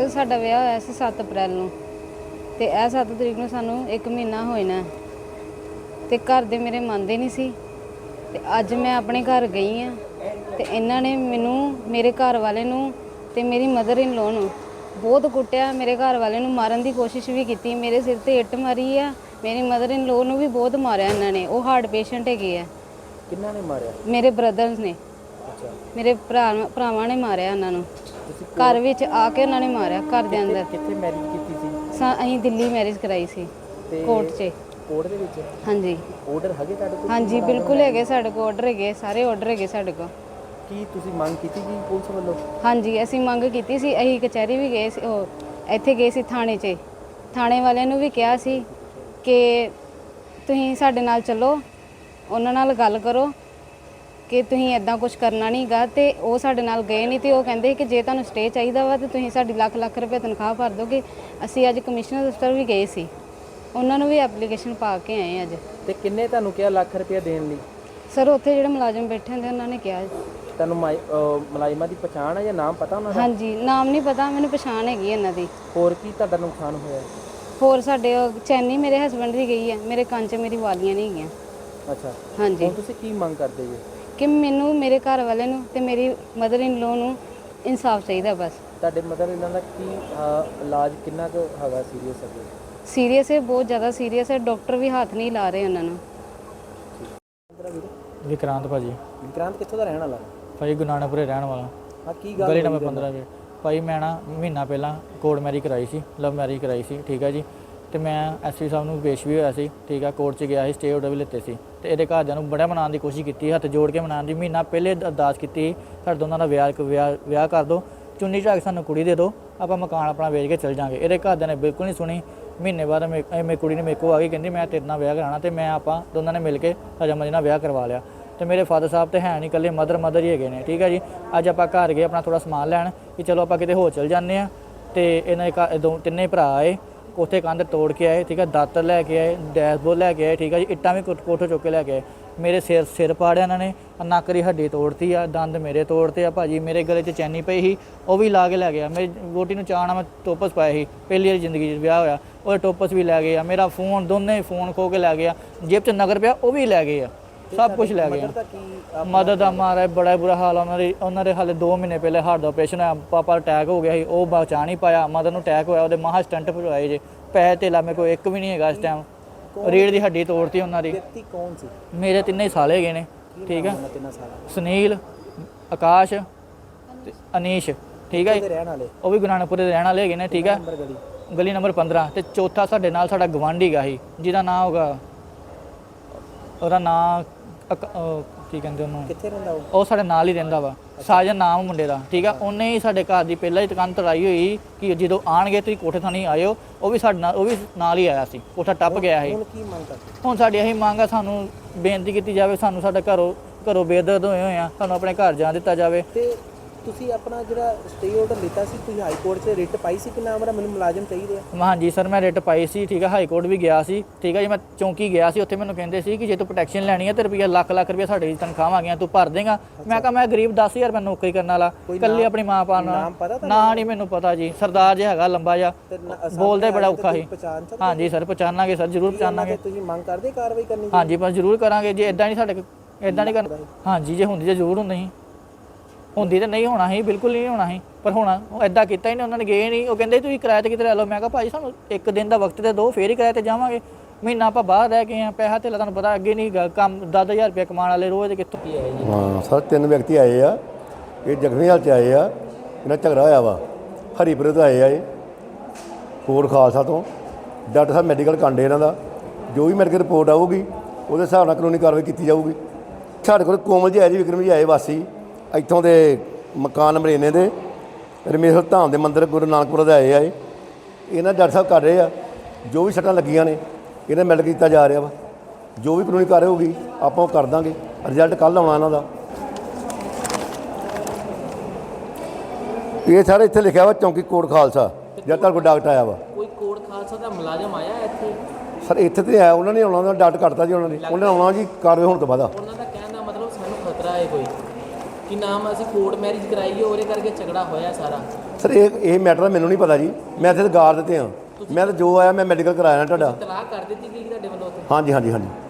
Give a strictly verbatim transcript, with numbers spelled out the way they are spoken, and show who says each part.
Speaker 1: ਸਾਡਾ ਵਿਆਹ ਹੋਇਆ ਸੀ ਸੱਤ ਅਪ੍ਰੈਲ ਨੂੰ ਤੇ ਇਹ ਸੱਤ ਤਰੀਕ ਨੂੰ ਸਾਨੂੰ ਇੱਕ ਮਹੀਨਾ ਹੋਇਆ ਨਾ ਤੇ ਘਰ ਦੇ ਮੇਰੇ ਮੰਨਦੇ ਨਹੀਂ ਸੀ ਤੇ ਅੱਜ ਮੈਂ ਆਪਣੇ ਘਰ ਗਈ ਆ ਤੇ ਇਹਨਾਂ ਨੇ ਮੈਨੂੰ ਮੇਰੇ ਘਰ ਵਾਲੇ ਨੂੰ ਤੇ ਮੇਰੀ ਮਦਰ ਇਨ ਲੋ ਨੂੰ ਬਹੁਤ ਕੁੱਟਿਆ। ਮੇਰੇ ਘਰ ਵਾਲੇ ਨੂੰ ਮਾਰਨ ਦੀ ਕੋਸ਼ਿਸ਼ ਵੀ ਕੀਤੀ, ਮੇਰੇ ਸਿਰ ਤੇ ਇੱਟ ਮਾਰੀ ਆ। ਮੇਰੀ ਮਦਰ ਇਨ ਲੋ ਨੂੰ ਵੀ ਬਹੁਤ ਮਾਰਿਆ ਇਹਨਾਂ ਨੇ। ਉਹ ਹਾਰਟ ਪੇਸ਼ੈਂਟ ਹੈਗੇ ਆ।
Speaker 2: ਕਿੰਨਾ ਨੇ ਮਾਰਿਆ?
Speaker 1: ਮੇਰੇ ਬ੍ਰਦਰਸ ਨੇ।
Speaker 2: ਅੱਛਾ, ਮੇਰੇ
Speaker 1: ਭਰਾ ਭਰਾਵਾਂ ਨੇ ਮਾਰਿਆ ਉਹਨਾਂ ਨੂੰ। ਘਰ ਵਿੱਚ ਆ ਕੇ ਉਹਨਾਂ ਨੇ ਮਾਰਿਆ ਘਰ ਦੇ ਅੰਦਰ।
Speaker 2: ਕਿੱਥੇ ਮੈਰਿਜ ਕੀਤੀ ਸੀ?
Speaker 1: ਅਸੀਂ ਦਿੱਲੀ ਮੈਰਿਜ ਕਰਾਈ ਸੀ ਕੋਰਟ 'ਚ।
Speaker 2: ਕੋਰਟ ਦੇ ਵਿੱਚ?
Speaker 1: ਹਾਂਜੀ।
Speaker 2: ਆਰਡਰ ਹੈਗੇ ਤੁਹਾਡੇ ਕੋਲ?
Speaker 1: ਹਾਂਜੀ ਬਿਲਕੁਲ ਹੈਗੇ ਸਾਡੇ ਕੋਲ, ਆਰਡਰ ਹੈਗੇ, ਸਾਰੇ ਆਰਡਰ ਹੈਗੇ ਸਾਡੇ ਕੋਲ।
Speaker 2: ਕੀ ਤੁਸੀਂ ਮੰਗ ਕੀਤੀ ਜੀ ਪੁਲਿਸ ਵੱਲੋਂ?
Speaker 1: ਹਾਂਜੀ ਅਸੀਂ ਮੰਗ ਕੀਤੀ ਸੀ। ਅਸੀਂ ਕਚਹਿਰੀ ਵੀ ਗਏ ਸੀ, ਉਹ ਇੱਥੇ ਗਏ ਸੀ ਥਾਣੇ 'ਚ। ਥਾਣੇ ਵਾਲਿਆਂ ਨੂੰ ਵੀ ਕਿਹਾ ਸੀ ਕਿ ਤੁਸੀਂ ਸਾਡੇ ਨਾਲ ਚੱਲੋ, ਉਹਨਾਂ ਨਾਲ ਗੱਲ ਕਰੋ ਕਿ ਤੁਸੀਂ ਇੱਦਾਂ ਕੁਝ ਕਰਨਾ ਨਹੀਂ ਗਾ। ਤੇ ਉਹ ਸਾਡੇ ਨਾਲ ਗਏ ਨਹੀਂ ਤੇ ਉਹ ਕਹਿੰਦੇ ਕਿ ਜੇ ਤੁਹਾਨੂੰ ਸਟੇ ਚਾਹੀਦਾ ਵਾ ਤਾਂ ਤੁਸੀਂ ਸਾਡੀ ਲੱਖ ਲੱਖ ਰੁਪਏ ਤਨਖਾਹ ਭਰ ਦੋਗੇ। ਅਸੀਂ ਅੱਜ ਕਮਿਸ਼ਨਰ ਦਫ਼ਤਰ ਵੀ ਗਏ ਸੀ, ਉਹਨਾਂ ਨੂੰ ਵੀ ਐਪਲੀਕੇਸ਼ਨ ਪਾ ਕੇ ਆਏ ਅੱਜ।
Speaker 2: ਤੇ ਕਿੰਨੇ ਤੁਹਾਨੂੰ ਕਿਹਾ ਲੱਖ ਰੁਪਏ ਦੇਣ ਲਈ?
Speaker 1: ਸਰ ਉੱਥੇ ਜਿਹੜੇ ਮੁਲਾਜ਼ਮ ਬੈਠੇ ਹੁੰਦੇ ਉਹਨਾਂ ਨੇ ਕਿਹਾ।
Speaker 2: ਤੁਹਾਨੂੰ ਮੁਲਾਜ਼ਮਾਂ ਦੀ ਪਛਾਣ ਹੈ ਜਾਂ ਨਾਮ ਪਤਾ ਉਹਨਾਂ ਦਾ?
Speaker 1: ਹਾਂਜੀ ਨਾਮ ਨਹੀਂ ਪਤਾ, ਮੈਨੂੰ ਪਛਾਣ ਹੈਗੀ ਇਹਨਾਂ ਦੀ।
Speaker 2: ਹੋਰ ਕੀ ਤੁਹਾਡਾ ਨੁਕਸਾਨ ਹੋਇਆ?
Speaker 1: ਹੋਰ ਸਾਡੇ ਚੈਨੀ ਮੇਰੇ ਹਸਬੰਡ ਦੀ ਗਈ ਹੈ, ਮੇਰੇ ਕੰਨ 'ਚ ਮੇਰੀ ਵਾਲੀਆਂ ਨਹੀਂ ਹੈਗੀਆਂ।
Speaker 2: ਅੱਛਾ
Speaker 1: ਹਾਂਜੀ।
Speaker 2: ਹੁਣ ਤੁਸੀਂ ਕੀ ਮੰਗ ਕਰਦੇ ਜੀ?
Speaker 1: ਕਿ ਮੈਨੂੰ ਮੇਰੇ ਘਰ ਵਾਲੇ ਨੂੰ ਤੇ ਮੇਰੀ ਮਦਰ ਇਨ ਲੋ ਨੂੰ ਇਨਸਾਫ ਚਾਹੀਦਾ ਬਸ।
Speaker 2: ਤੁਹਾਡੇ ਮਦਰ ਇਹਨਾਂ ਦਾ ਕੀ ਇਲਾਜ ਕਿੰਨਾ ਕੁ ਹੈਗਾ ਸੀਰੀਅਸ ਹੈ?
Speaker 1: ਸੀਰੀਅਸ ਹੈ, ਬਹੁਤ ਜ਼ਿਆਦਾ ਸੀਰੀਅਸ ਹੈ। ਡਾਕਟਰ ਵੀ ਹੱਥ ਨਹੀਂ ਲਾ ਰਹੇ ਉਹਨਾਂ ਨੂੰ।
Speaker 3: ਵਿਕਰਾਂਤ ਭਾਜੀ।
Speaker 2: ਵਿਕਰਾਂਤ ਕਿੱਥੋਂ ਦਾ ਰਹਿਣ ਵਾਲਾ?
Speaker 3: ਭਾਈ ਗੁਰੂ ਨਾਨਕਪੁਰੇ ਰਹਿਣ ਵਾਲਾ।
Speaker 2: ਹਾਂ ਕੀ ਗੱਲ?
Speaker 3: ਗਲੀ ਨੰਬਰ ਪੰਦਰਾਂ ਵਿੱਚ। ਭਾਈ ਮੈਂ ਨਾ ਮਹੀਨਾ ਪਹਿਲਾਂ ਕੋਰਟ ਮੈਰਿਜ ਕਰਾਈ ਸੀ, ਲਵ ਮੈਰਿਜ ਕਰਾਈ ਸੀ, ਠੀਕ ਹੈ ਜੀ। ਤੇ ਮੈਂ ਐਸਪੀ ਸਾਹਿਬ ਨੂੰ ਪੇਸ਼ ਵੀ ਹੋਇਆ ਸੀ, ਠੀਕ ਆ। ਕੋਰਟ 'ਚ ਗਿਆ ਸੀ, ਸਟੇ ਆਰਡਰ ਵੀ ਲਿੱਤੇ ਸੀ ਤੇ ਇਹਦੇ ਘਰਦਿਆਂ ਨੂੰ ਬੜਾ ਮਨਾਉਣ ਦੀ ਕੋਸ਼ਿਸ਼ ਕੀਤੀ, ਹੱਥ ਜੋੜ ਕੇ ਮਨਾਉਣ ਦੀ। ਮਹੀਨਾ ਪਹਿਲੇ ਅਰਦਾਸ ਕੀਤੀ ਸਾਡੇ ਦੋਨਾਂ ਦਾ ਵਿਆਹ ਵਿਆਹ ਵਿਆਹ ਕਰ ਦਿਓ, ਚੁੰਨੀ ਝਾਕ ਸਾਨੂੰ ਕੁੜੀ ਦੇ ਦਿਓ, ਆਪਾਂ ਮਕਾਨ ਆਪਣਾ ਵੇਚ ਕੇ ਚਲ ਜਾਵਾਂਗੇ। ਇਹਦੇ ਘਰਦਿਆਂ ਨੇ ਬਿਲਕੁਲ ਨਹੀਂ ਸੁਣੀ। ਮਹੀਨੇ ਬਾਅਦ ਮੇਰੀ ਕੁੜੀ ਨੇ ਮੇਰੇ ਕੋਲ ਆ ਗਈ, ਕਹਿੰਦੀ ਮੈਂ ਤੇਰੇ ਨਾਲ ਵਿਆਹ ਕਰਾਉਣਾ ਤੇ ਮੈਂ ਆਪਾਂ ਦੋਨਾਂ ਨੇ ਮਿਲ ਕੇ ਹਜਮ ਨਾਲ ਵਿਆਹ ਕਰਵਾ ਲਿਆ। ਤੇ ਮੇਰੇ ਫਾਦਰ ਸਾਹਿਬ ਤੇ ਹੈ ਨਹੀਂ, ਇਕੱਲੇ ਮਦਰ ਮਦਰ ਹੀ ਹੈਗੇ ਨੇ, ਠੀਕ ਹੈ ਜੀ। ਅੱਜ ਆਪਾਂ ਘਰ ਗਏ ਆਪਣਾ ਥੋੜ੍ਹਾ ਸਮਾਨ ਲੈਣ ਕਿ ਚਲੋ ਆਪਾਂ ਕਿਤੇ ਹੋਰ ਚਲ ਜਾਂਦੇ ਹਾਂ। ਤੇ ਇਹਨਾਂ ਦੇ ਘਰ ਦੋ ਤਿੰਨੇ ਭਰਾ ਆਏ, ਉੱਥੇ ਕੰਧ ਤੋੜ ਕੇ ਆਏ, ਠੀਕ ਹੈ। ਦਾਤਰ ਲੈ ਕੇ ਆਏ, ਡੈਸ਼ਬੋਰਡ ਲੈ ਕੇ ਆਏ, ਠੀਕ ਹੈ ਜੀ। ਇੱਟਾਂ ਵੀ ਕੋਠੇ ਚੁੱਕ ਕੇ ਲੈ ਕੇ ਆਏ। ਮੇਰੇ ਸਿਰ ਸਿਰ ਪਾੜਿਆ ਇਹਨਾਂ ਨੇ, ਨੱਕ ਦੀ ਹੱਡੀ ਤੋੜਤੀ ਆ, ਦੰਦ ਮੇਰੇ ਤੋੜਤੇ ਆ ਭਾਜੀ। ਮੇਰੇ ਗਲੇ 'ਚ ਚੈਨੀ ਪਈ ਸੀ, ਉਹ ਵੀ ਲਾ ਕੇ ਲੈ ਗਿਆ। ਮੇਰੀ ਵੋਟੀ ਨੂੰ ਚਾਅ ਨਾਲ ਮੈਂ ਟੋਪਸ ਪਾਏ ਸੀ, ਪਹਿਲੀ ਵਾਰੀ ਜ਼ਿੰਦਗੀ 'ਚ ਵਿਆਹ ਹੋਇਆ, ਉਹ ਟੋਪਸ ਵੀ ਲੈ ਗਏ ਆ। ਮੇਰਾ ਫੋਨ, ਦੋਨੇ ਫੋਨ ਖੋ ਕੇ ਲੈ ਗਿਆ। ਜੇਬ 'ਚ ਨਗਰ ਪਿਆ ਉਹ ਵੀ ਲੈ ਗਏ ਆ, ਸਭ ਕੁਝ ਲੈ ਗਏ ਆ। ਮਦਦ ਦਾ ਮਾਰਾ ਬੜਾ ਬੁਰਾ ਹਾਲ ਉਹਨਾਂ ਦੇ ਉਹਨਾਂ ਦੇ ਹਾਲੇ ਦੋ ਮਹੀਨੇ ਪਹਿਲੇ ਹਾਰਟ ਦਾ ਆਪਰੇਸ਼ਨ ਹੋਇਆ, ਪਾਪਾ ਅਟੈਕ ਹੋ ਗਿਆ ਸੀ, ਉਹ ਬਚਾ ਨਹੀਂ ਪਾਇਆ। ਮਦਰ ਨੂੰ ਅਟੈਕ ਹੋਇਆ, ਉਹਦੇ ਮਹਾ ਸਟੰਟ ਪਵਾਏ ਜੇ। ਪੈਸੇ ਧੇਲਾ ਮੇਰੇ ਕੋਲ ਇੱਕ ਵੀ ਨਹੀਂ ਹੈਗਾ ਇਸ ਟਾਈਮ। ਰੀੜ ਦੀ ਹੱਡੀ ਤੋੜਤੀ ਉਹਨਾਂ ਦੀ।
Speaker 2: ਵਿਅਕਤੀ ਕੌਣ ਸੀ?
Speaker 3: ਮੇਰੇ ਤਿੰਨੇ ਸਾਲ ਹੈਗੇ ਨੇ, ਠੀਕ ਹੈ। ਸੁਨੀਲ, ਆਕਾਸ਼ ਤੇ ਅਨੀਸ਼, ਠੀਕ ਹੈ। ਉਹ ਵੀ ਗੁਰੂ ਨਾਨਕਪੁਰੇ ਦੇ ਰਹਿਣ ਵਾਲੇ ਹੈਗੇ ਨੇ, ਠੀਕ ਹੈ। ਗਲੀ ਨੰਬਰ ਪੰਦਰਾਂ। ਤੇ ਚੌਥਾ ਸਾਡੇ ਨਾਲ ਸਾਡਾ ਗਵਾਂਢੀ ਗਾ ਸੀ, ਜਿਹਦਾ ਨਾਂ ਹੋਗਾ, ਉਹਦਾ ਨਾਂ ਕੀ ਕਹਿੰਦੇ ਉਹਨੂੰ,
Speaker 2: ਕਿੱਥੇ ਰਹਿੰਦਾ ਉਹ?
Speaker 3: ਉਹ ਸਾਡੇ ਨਾਲ ਹੀ ਰਹਿੰਦਾ ਵਾ, ਸਾਜਨ ਨਾਮ ਮੁੰਡੇ ਦਾ, ਠੀਕ ਆ। ਉਹਨੇ ਹੀ ਸਾਡੇ ਘਰ ਦੀ ਪਹਿਲਾਂ ਹੀ ਦੁਕਾਨ ਤੜਾਈ ਹੋਈ ਕਿ ਜਦੋਂ ਆਣਗੇ ਤੁਸੀਂ ਕੋਠੇ ਥਾਣੀ ਆਇਓ। ਉਹ ਵੀ ਸਾਡੇ ਨਾਲ, ਉਹ ਵੀ ਨਾਲ ਹੀ ਆਇਆ ਸੀ, ਕੋਠਾ ਟੱਪ ਗਿਆ ਸੀ।
Speaker 2: ਹੁਣ ਕੀ ਮੰਗ ਕਰਦੇ?
Speaker 3: ਹੁਣ ਸਾਡੀ ਇਹੀ ਮੰਗ ਆ, ਸਾਨੂੰ ਬੇਨਤੀ ਕੀਤੀ ਜਾਵੇ, ਸਾਨੂੰ ਸਾਡਾ ਘਰੋਂ ਘਰੋਂ ਬੇਦਰਦ ਹੋਏ ਹੋਏ ਆ, ਸਾਨੂੰ ਆਪਣੇ ਘਰ ਜਾਣ ਦਿੱਤਾ ਜਾਵੇ।
Speaker 2: ਤੇ ਤੁਸੀਂ ਆਪਣਾ ਜਿਹੜਾ ਸਟੇ ਆਰਡਰ ਲਿੱਤਾ ਸੀ, ਤੁਸੀਂ ਹਾਈ ਕੋਰਟ 'ਚ ਰਿਟ ਪਾਈ ਸੀ ਕਿ ਨਾ ਮੇਰਾ ਮੈਨੂੰ ਮੁਲਾਜ਼ਮ ਚਾਹੀਦੇ ਆ?
Speaker 3: ਹਾਂਜੀ ਸਰ, ਮੈਂ ਰਿਟ ਪਾਈ ਸੀ, ਠੀਕ ਹੈ। ਹਾਈ ਕੋਰਟ ਵੀ ਗਿਆ ਸੀ, ਠੀਕ ਹੈ ਜੀ। ਮੈਂ ਚੌਂਕੀ ਗਿਆ ਸੀ, ਉੱਥੇ ਮੈਨੂੰ ਕਹਿੰਦੇ ਸੀ ਕਿ ਜੇ ਤੂੰ ਪ੍ਰੋਟੈਕਸ਼ਨ ਲੈਣੀ ਹੈ ਤੇ ਰੁਪਈਆ ਲੱਖ ਲੱਖ ਰੁਪਈਆ ਸਾਡੀ ਤਨਖਾਹਾਂ ਆ ਗਈਆਂ, ਤੂੰ ਭਰ ਦੇਗਾ। ਮੈਂ ਕਿਹਾ ਮੈਂ ਗਰੀਬ ਦਸ ਹਜ਼ਾਰ ਮੈਂ ਨੌਕਰੀ ਕਰਨ ਵਾਲਾ, ਇਕੱਲੀ ਆਪਣੀ ਮਾਂ ਪਾ ਨਾਲ। ਨਾ ਨਹੀਂ ਮੈਨੂੰ ਪਤਾ ਜੀ, ਸਰਦਾਰ ਜਿਹਾ ਹੈਗਾ ਲੰਬਾ ਜਿਹਾ, ਬੋਲਦਾ ਬੜਾ ਔਖਾ ਸੀ। ਹਾਂਜੀ ਸਰ ਪਛਾਣਾਂਗੇ ਸਰ, ਜ਼ਰੂਰ ਪਛਾਣਾਂਗੇ।
Speaker 2: ਤੁਸੀਂ ਮੰਗ ਕਰਦੇ ਕਾਰਵਾਈ ਕਰਨੀ?
Speaker 3: ਹਾਂਜੀ ਬਸ ਜ਼ਰੂਰ ਕਰਾਂਗੇ ਜੀ। ਇਦਾਂ ਨਹੀਂ ਸਾਡੇ ਇਦਾਂ ਨਹੀਂ ਕਰਨਾ। ਹਾਂਜੀ ਜੇ ਹੁੰਦੀ ਤਾਂ ਜ਼ਰੂਰ ਹੁੰਦੀ ਸੀ, ਹੁੰਦੀ ਤਾਂ ਨਹੀਂ ਹੋਣਾ ਸੀ, ਬਿਲਕੁਲ ਨਹੀਂ ਹੋਣਾ ਸੀ। ਪਰ ਹੁਣ ਉਹ ਇੱਦਾਂ ਕੀਤਾ ਹੀ ਨਹੀਂ, ਉਹਨਾਂ ਨੇ ਗਏ ਨਹੀਂ। ਉਹ ਕਹਿੰਦੇ ਤੁਸੀਂ ਕਿਰਾਏ 'ਤੇ ਕਿਤੇ ਲੈ ਲਓ। ਮੈਂ ਕਿਹਾ ਭਾਈ ਸਾਨੂੰ ਇੱਕ ਦਿਨ ਦਾ ਵਕਤ ਤੇ ਦਿਓ, ਫੇਰ ਹੀ ਕਿਰਾਏ 'ਤੇ ਜਾਵਾਂਗੇ। ਮਹੀਨਾ ਆਪਾਂ ਬਾਹਰ ਰਹਿ ਗਏ ਹਾਂ, ਪੈਸਾ ਧੇਲਾ ਤੁਹਾਨੂੰ ਪਤਾ ਅੱਗੇ ਨਹੀਂ ਕੰਮ। ਦਸ ਹਜ਼ਾਰ ਰੁਪਇਆ ਕਮਾਉਣ ਵਾਲੇ ਰੋਜ਼ ਦੇ ਕਿੱਥੋਂ ਕੀ ਹੈ ਜੀ?
Speaker 4: ਹਾਂ ਸਰ, ਤਿੰਨ ਵਿਅਕਤੀ ਆਏ ਆ, ਇਹ ਜ਼ਖਮੀ ਹਾਲਤ 'ਚ ਆਏ ਆ। ਇਹਨਾਂ ਝਗੜਾ ਹੋਇਆ ਵਾ, ਹਰੀਪੁਰੇ ਤੋਂ ਆਏ ਆ ਇਹ, ਕੋਟ ਖਾਲਸਾ ਤੋਂ। ਡਾਕਟਰ ਸਾਹਿਬ ਮੈਡੀਕਲ ਕਾਂਡੇ ਇਹਨਾਂ ਦਾ, ਜੋ ਵੀ ਮੈਡੀਕਲ ਰਿਪੋਰਟ ਆਊਗੀ ਉਹਦੇ ਹਿਸਾਬ ਨਾਲ ਕਾਨੂੰਨੀ ਕਾਰਵਾਈ ਕੀਤੀ ਜਾਊਗੀ। ਸਾਡੇ ਕੋਲ ਕੋਮਲ ਜੀ ਆਏ ਜੀ, ਵਿਕਰਮ ਜੀ ਆਏ, ਵਾਸੀ ਇੱਥੋਂ ਦੇ ਮਕਾਨ ਨੰਬਰ ਇੰਨੇ ਦੇ ਰਮੇਸ਼ਵਰ ਧਾਮ ਦੇ ਮੰਦਿਰ ਗੁਰੂ ਨਾਨਕਪੁਰ ਦੇ ਆਏ ਆ। ਇਹ ਇਹਨਾਂ ਡਾਕਟਰ ਸਾਹਿਬ ਕਰ ਰਹੇ ਆ, ਜੋ ਵੀ ਸੱਟਾਂ ਲੱਗੀਆਂ ਨੇ ਇਹਨਾਂ ਮੈਡੀਕਲ ਕੀਤਾ ਜਾ ਰਿਹਾ ਵਾ। ਜੋ ਵੀ ਕਾਨੂੰਨੀ ਕਾਰਵਾਈ ਹੋਊਗੀ ਆਪਾਂ ਉਹ ਕਰ ਦਾਂਗੇ। ਰਿਜ਼ਲਟ ਕੱਲ੍ਹ ਆਉਣਾ ਇਹਨਾਂ ਦਾ। ਇਹ ਸਾਰੇ ਇੱਥੇ ਲਿਖਿਆ ਵਾ ਚੌਂਕੀ ਕੋਟ ਖਾਲਸਾ, ਜਦ ਤੱਕ ਕੋਈ ਡਾਕਟਰ ਆਇਆ ਵਾ।
Speaker 2: ਕੋਈ ਕੋਟ ਖਾਲਸਾ ਦਾ ਮੁਲਾਜ਼ਮ ਆਇਆ ਇੱਥੇ?
Speaker 4: ਸਰ ਇੱਥੇ ਤੇ ਆਇਆ, ਉਹਨਾਂ ਨੇ ਆਉਣਾ, ਉਹਨਾਂ ਦਾ ਡਾਕਟਰ ਕੱਟਤਾ ਜੀ ਉਹਨਾਂ ਨੇ। ਉਹਨਾਂ ਨੇ ਆਉਣਾ ਜੀ ਕਾਰਵਾਈ ਹੋਣ ਤੋਂ ਬਾਅਦ।
Speaker 2: ਉਹਨਾਂ ਦਾ ਕਹਿਣ ਦਾ ਮਤਲਬ ਸਾਨੂੰ ਖਤਰਾ ਹੈ ਕੋਈ ਕਿ ਨਾਮ ਅਸੀਂ ਕੋਰਟ ਮੈਰਿਜ ਕਰਾਈਏ, ਉਹਦੇ ਕਰਕੇ ਝਗੜਾ ਹੋਇਆ ਸਾਰਾ।
Speaker 4: ਸਰ ਇਹ ਇਹ ਮੈਟਰ ਮੈਨੂੰ ਨਹੀਂ ਪਤਾ ਜੀ, ਮੈਂ ਇੱਥੇ ਤਾਂ ਗਾਰ ਦਿੱਤੇ ਹਾਂ, ਮੈਂ ਤਾਂ ਜੋ ਆਇਆ ਮੈਂ ਮੈਡੀਕਲ ਕਰਾਇਆ ਨਾ ਤੁਹਾਡਾ।
Speaker 2: ਤਲਾਕ ਕਰ ਦਿੱਤੀ ਗਈ ਤੁਹਾਡੇ ਵੱਲੋਂ ਉੱਥੇ?
Speaker 4: ਹਾਂਜੀ ਹਾਂਜੀ ਹਾਂਜੀ